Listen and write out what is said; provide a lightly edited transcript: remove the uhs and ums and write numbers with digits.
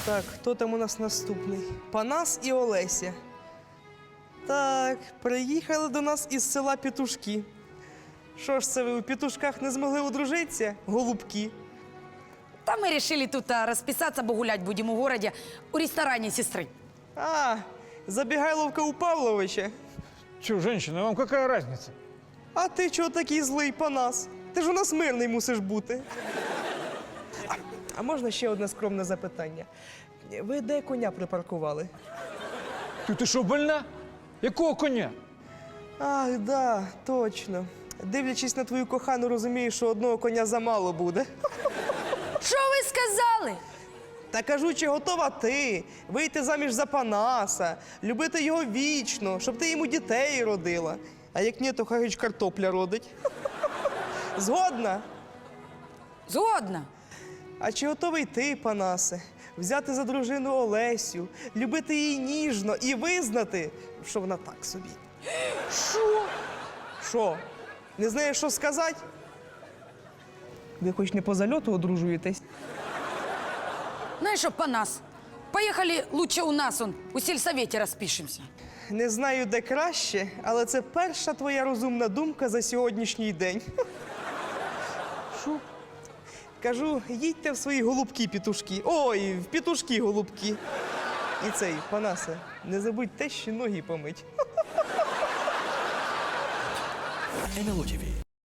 Так, хто там у нас наступний? Панас і Олеся. Так, приїхали до нас із села Петушки. Що ж це ви у Петушках не змогли одружитися, голубки? Там мы решили тут расписаться, бо гулять будем у городе, у ресторане сестры. А, забігайловка у Павловича. Че, женщина, вам какая разница? А ти чого такий злий, Панас? Ти ж у нас мирний мусиш бути. А можна ще одне скромне запитання? Ви де коня припаркували? Ти що, больна? Якого коня? Ах, да, точно. Дивлячись на твою кохану, розумію, що одного коня замало буде. Что вы сказали? Та кажу, чи готова ти вийти заміж за Панаса, любити його вічно, щоб ти йому дітей родила. А як ні, то хай хоч картопля родить. Згодна? Згодна. А чи готовий ти, Панасе, взяти за дружину Олесю, любити її ніжно і визнати, що вона так собі? Що? Що? Не знаєш, що сказати? Ви хоч не по зальоту одружуєтесь? Знаешь что, Панас, поехали лучше у нас, у сельсовете распишемся. Не знаю, де краще, але це перша твоя розумна думка за сьогоднішній день. Що? Кажу, їдьте в свої голубки-петушки. Ой, в петушки-голубки. І цей, Панасе, не забудь те, ще ноги помить. НЛО ТВ